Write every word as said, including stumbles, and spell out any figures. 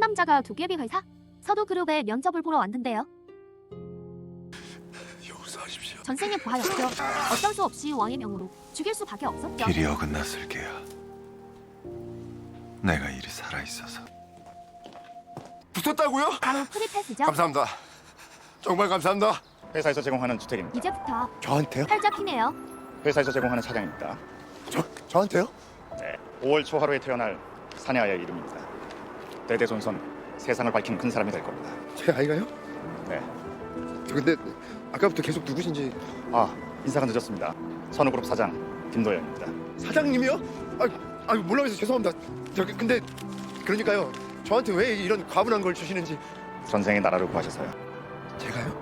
상담자가 도깨비 회사? 서두그룹에 면접을 보러 왔는데요. 용서하십시오. 전생에 부하였죠. 어쩔 수 없이 왕의 명으로 죽일 수밖에 없었죠. 길이 어긋났을 게야. 내가 이리 살아있어서. 붙었다고요? 바로 프리패스죠. 감사합니다. 정말 감사합니다. 회사에서 제공하는 주택입니다. 이제부터 저한테요? 팔자피네요. 회사에서 제공하는 차량입니다. 저, 저한테요? 네, 오월 초하루에 태어날 사내아이의 이름입니다. 대대손손 세상을 밝히는 큰 사람이 될 겁니다. 제 아이가요? 네, 저 근데 아까부터 계속 누구신지. 아 인사가 늦었습니다. 선우그룹 사장 김도현입니다. 사장님이요? 아, 아 몰라서 죄송합니다. 저기 근데 그러니까요. 저한테 왜 이런 과분한 걸 주시는지. 전생에 나라를 구하셔서요. 제가요?